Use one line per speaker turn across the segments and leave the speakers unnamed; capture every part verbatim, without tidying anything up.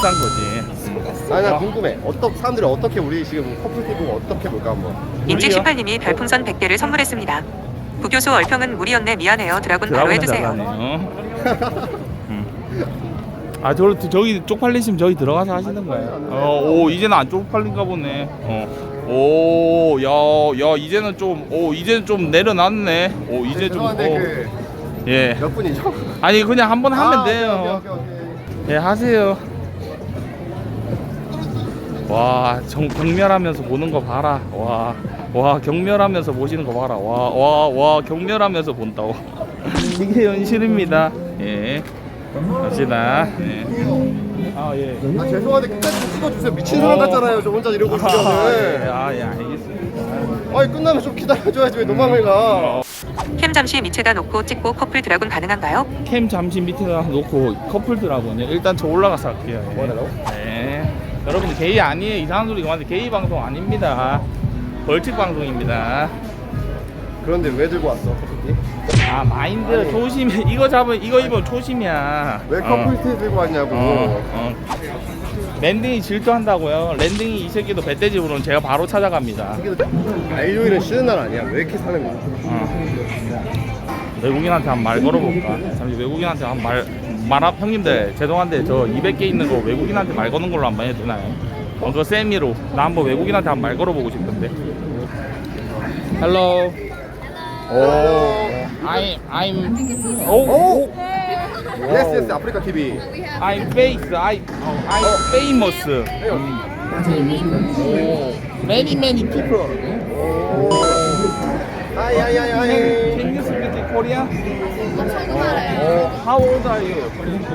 비싼 거지.
아니 나 궁금해. 어떻게 사람들이 어떻게 우리 지금 커플 티브 어떻게 볼까 한번.
인증십팔 님이 별풍선 백 개를 선물했습니다. 부교수 얼평은 무리였네 미안해요. 드라군 바로 해주세요.
음. 아 저, 저기 쪽팔리시면 저기 들어가서 하시는 거예요. 어, 오 이제는 안 쪽팔린가 보네. 어. 오, 야, 야 이제는 좀, 오 이제는 좀 내려놨네. 오 이제 좀, 오.
그
예.
몇 분이죠?
아니 그냥 한번 하면
아,
돼요.
오케이, 오케이, 오케이.
예, 하세요. 와, 정, 경멸하면서 보는 거 봐라. 와, 와, 경멸하면서 보시는 거 봐라. 와, 와, 와, 경멸하면서 본다고. 이게 현실입니다. 예. 갑시다. 예. 아, 예.
아 죄송한데 끝까지 좀 찍어주세요. 미친 사람 같잖아요. 저 혼자 이러고
아, 예.
있으면은.
아, 예, 알겠습니다.
아니 끝나면 좀 기다려줘야지 왜 도망을 가.
캠 잠시 밑에다 놓고 찍고 커플 드라군 가능한가요?
캠 잠시 밑에다 놓고 커플들하고요. 일단 저 올라가서 할게요. 예.
뭐 하려고?
네. 여러분들 게이 아니에요. 이상한 소리 그만해. 게이 방송 아닙니다. 벌칙 방송입니다.
그런데 왜 들고 왔어 커플티?
아 마인드
아니.
초심이 이거 잡으면 이거 입으면 초심이야.
왜 커플티 들고 왔냐고.
어, 어. 랜딩이 질투한다고요. 랜딩이 이 새끼도 배때집으로는 제가 바로 찾아갑니다.
알료일은 쉬는 날 아니야. 왜 이렇게 사는 거야?
어. 외국인한테 한 말 걸어볼까? 잠시 외국인한테 한 말 말아 형님들 죄송한데 저 이백 개 있는 거 외국인한테 말 거는 걸로 한번 해도 되나요? 어, 그 세미로 나 한번 외국인한테 한 말 걸어보고 싶은데. Hello.
오.
I'm I'm
오.
oh
예스 예스 아프리카 티비.
I'm face I I'm famous. 음. 오. Many many people.
아이 아이 아이 아이.
Can you speak Korean? 어, how old are you?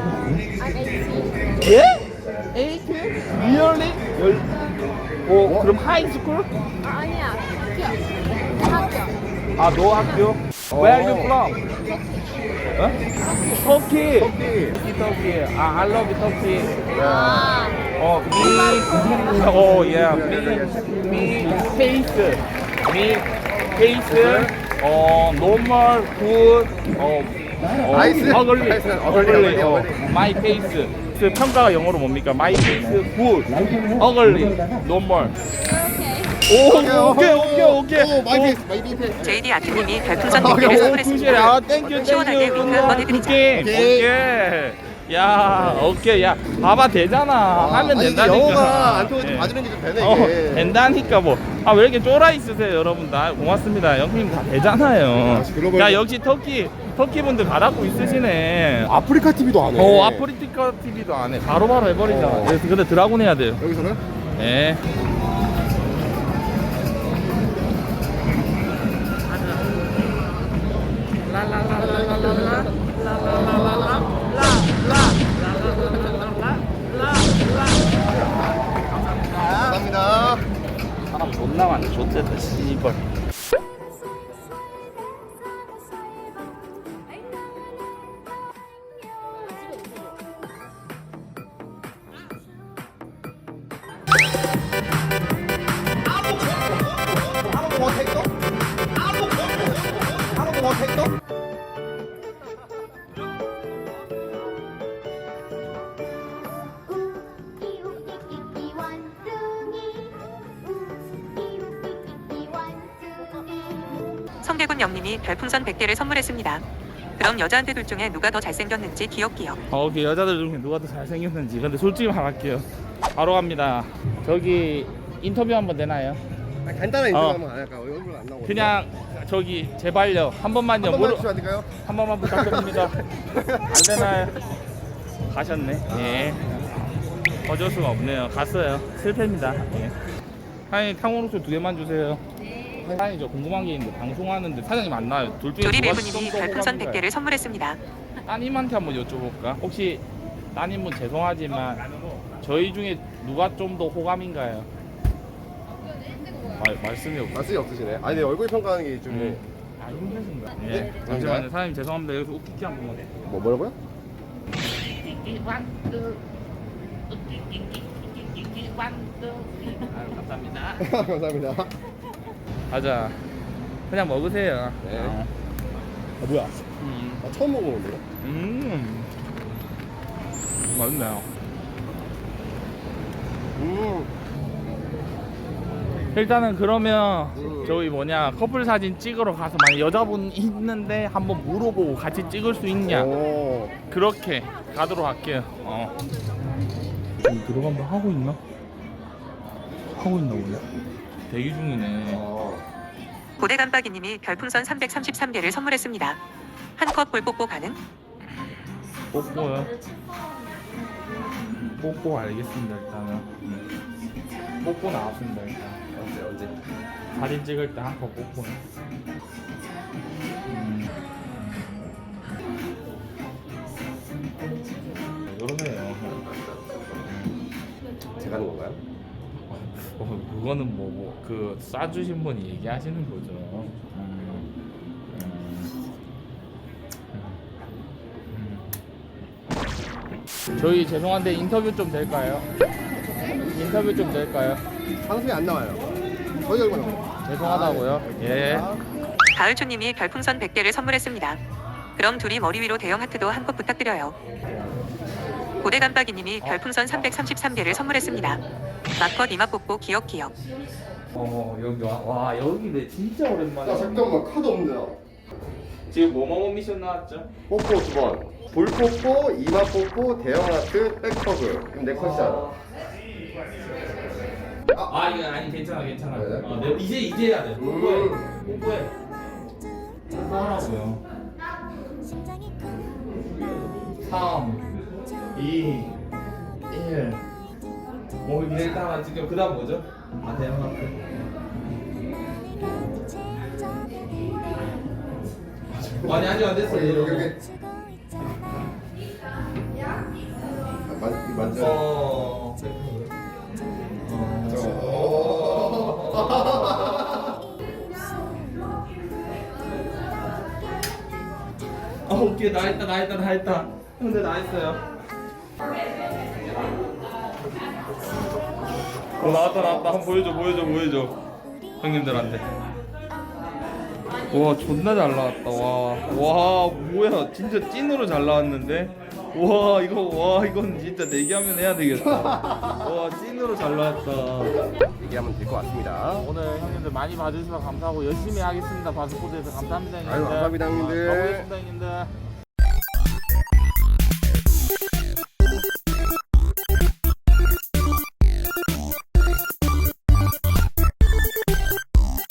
예? eight? Really? 열. 오, 그럼 high school?
아니야, 학교. 학교.
아, 너 학교? Where are you from? 어? 터키. 터키. 터키. 아, I love Turkey.
아,
어, me. 어, yeah. Me. Me. Face. Me. Face. 어, normal. Good. 어. 어,
아이스?
어글리.
아이스, 어글리,
어글리.
어글리,
어,
어글리.
my face. 그 평가가 영어로 뭡니까? My face. Good. 어글리. normal. 오, 오케이, 오케이, 오케이.
오 마이 페이스 마이 페이스.
제이디 아트님이 별풍선 백
아,
개를
오,
선물했습니다.
아, 땡큐,
시원하게
땡큐.
윙크 한번 해드리자.
오케이,
오케이.
오케이. 야, 오케이, 야, 봐봐 되잖아. 하면
아니,
된다니까.
영어가 안 통해서
예.
봐주는 게 좀 되네
어,
이게.
된다니까 뭐. 아, 왜 이렇게 쫄아 있으세요, 여러분들? 아, 고맙습니다. 형님 다 되잖아요.
역시 글로벌.
야, 역시 터키, 터키 분들 받았고 있으시네.
아프리카 티비도 안 해.
어, 아프리카 티비도 안 해. 바로바로 해버리잖아.
어.
그래서 근데 드라군 해야 돼요.
여기서는?
네.
감사합니다.
사람 존나 많네. 좋댔다, 씨발.
웃기웃기웃기 원숭이. 웃기웃기웃기 원숭이.
성대군 영님이 별풍선 백 개를 선물했습니다. 그럼 여자한테 둘 중에 누가 더 잘생겼는지 기억기억.
어, 오케이. 여자들 중에 누가 더 잘생겼는지. 근데 솔직히 말할게요. 바로 갑니다. 저기 인터뷰 한번 되나요?
아, 간단한 인터뷰
어.
한번 안 할까? 얼굴 안 나오고.
그냥 저기 제발요. 한 번만요.
한 번만
모르-
해주시면 안 될까요?
한 번만 부탁드립니다. 안 되나요? 가셨네. 예. 어쩔 수가 없네요. 갔어요. 실패입니다. 예. 사장님 탕후루수 두 개만 주세요. 사장님 저 궁금한 게 있는데 방송하는데 사장님 안 나와요. 둘 중에 누가
조리배부님이
좀더
별풍선 백
호감인가요?
개를 선물했습니다.
따님한테 한번 여쭤볼까? 혹시 따님분 죄송하지만 저희 중에 누가 좀 더 호감인가요? 말, 말씀이 없
말씀이 없으시네. 아니 내 얼굴 평가하는 게 좀.
음. 아 힘드신가? 예.
네,
잠시만요. 사장님 죄송합니다. 여기서 웃기기 한 번만.
뭐 뭐라고요?
아유, 감사합니다.
감사합니다.
가자. 그냥 먹으세요.
네.
어.
아 뭐야?
음.
나 처음 먹어보는데요?
음. 맛있네요.
음.
일단은 그러면
음.
저희 뭐냐 커플 사진 찍으러 가서 만약 여자분 있는데 한번 물어보고 같이 찍을 수 있냐
오.
그렇게 가도록 할게요. 어. 들어가면 하고 있나? 하고 있나 몰라. 대기 중이네.
어.
고대 깜빡이님이 별풍선 삼백삼십삼 개를 선물했습니다. 한 컵 볼 뽀뽀 가능?
뽀뽀요. 뽀뽀 알겠습니다 일단은. 음. 뽀뽀 나왔습니다 일단.
언제 언제?
사진 찍을 때 한 컵 뽀뽀. 음. 왜 그러세요?
제가 하는 건가요?
어, 그거는 뭐, 뭐, 그, 쏴주신 분이 얘기하시는 거죠. 음, 음, 음. 저희 죄송한데 인터뷰 좀 될까요? 인터뷰 좀 될까요?
방송이 안 나와요. 저희 얼마 나와요?
죄송하다고요. 예.
가을초님이 별풍선 백 개를 선물했습니다. 그럼 둘이 머리 위로 대형 하트도 한 컵 부탁드려요. 고대 깜빡이님이 별풍선 삼백삼십삼 개를 선물했습니다. 마컷 이마 뽀뽀 기억 기억.
어, 여기 와, 와, 여기 내 진짜 오랜만에.
야 잠깐만 카드 없는데.
지금 뭐뭐뭐 미션 나왔죠?
뽀뽀 두 번. 볼 뽀뽀, 이마 뽀뽀, 대형 하트, 백허그. 그럼 내 컷이잖아.
아, 이거 아니 괜찮아, 괜찮아.
네.
어, 네, 이제 이제 해야 돼. 뽀뽀해,
음.
뽀뽀해. 뽀뽀하라고요. 삼, 이, 일. 뭐 이제 일단 지금 그다음 뭐죠? 아 대형 하트. 아니 아니 안 됐어.
여기 여기 여기. 만 만져.
어. 아 오케이 나 했다 나 했다 나 했다. 근데 나 했어요. 어 나왔다 나왔다 한번 보여줘 보여줘 보여줘 형님들한테. 와 존나 잘 나왔다. 와와 뭐야 진짜 찐으로 잘 나왔는데. 와 이거 와 이건 진짜 내기하면 해야 되겠다. 와 찐으로 잘 나왔다.
얘기하면 될 것 같습니다.
오늘 형님들 많이 봐주셔서 감사하고 열심히 하겠습니다. 바스코드에서 감사합니다 형님들.
아유, 감사합니다, 형님들.
아, 가보겠습니다 형님들.